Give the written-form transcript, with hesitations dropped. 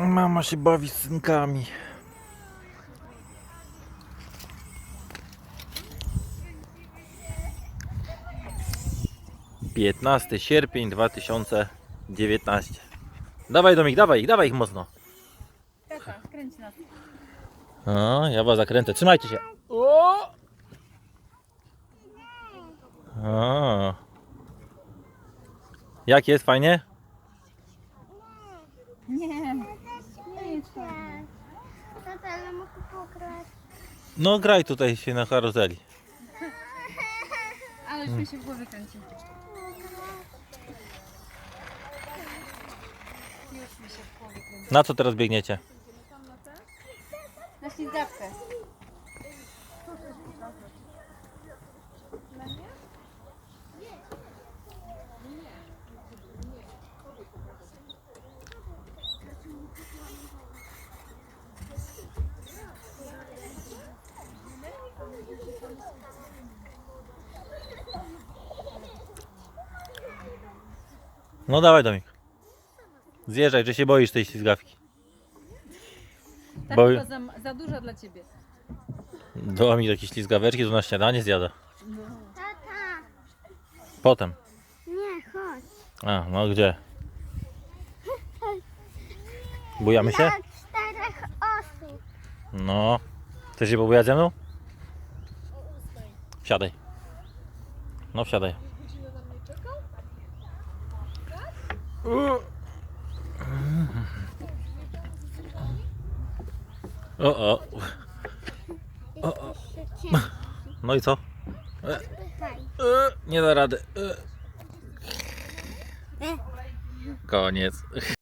Mama się bawi z synkami. Piętnasty sierpień 2019. Dawaj Domik, dawaj ich mocno. Tata, kręć nas. O, ja was zakręcę, trzymajcie się. O! O. Jak jest, fajnie? Nie. Nie chcę. Tata, ale mogę pograć. No graj tutaj się na karuzeli. Ale już mi się w głowie kręci. Już mi się w głowie kręci. Na co teraz biegniecie? Na ślizgawkę. No dawaj Domik. Zjeżdżaj, że się boisz tej ślizgawki. Ta Bo- chyba za duża dla ciebie. Domik jakieś ślizgaweczki to na śniadanie zjada. Tata, Potem. nie, chodź. A, no gdzie? Bujamy się? Dla 4 osób. No. Chcesz się pobujać ze mną? Wsiadaj. No wsiadaj. O, o. Jeszcze cię. No i co? Pychaj. Nie da rady. Koniec.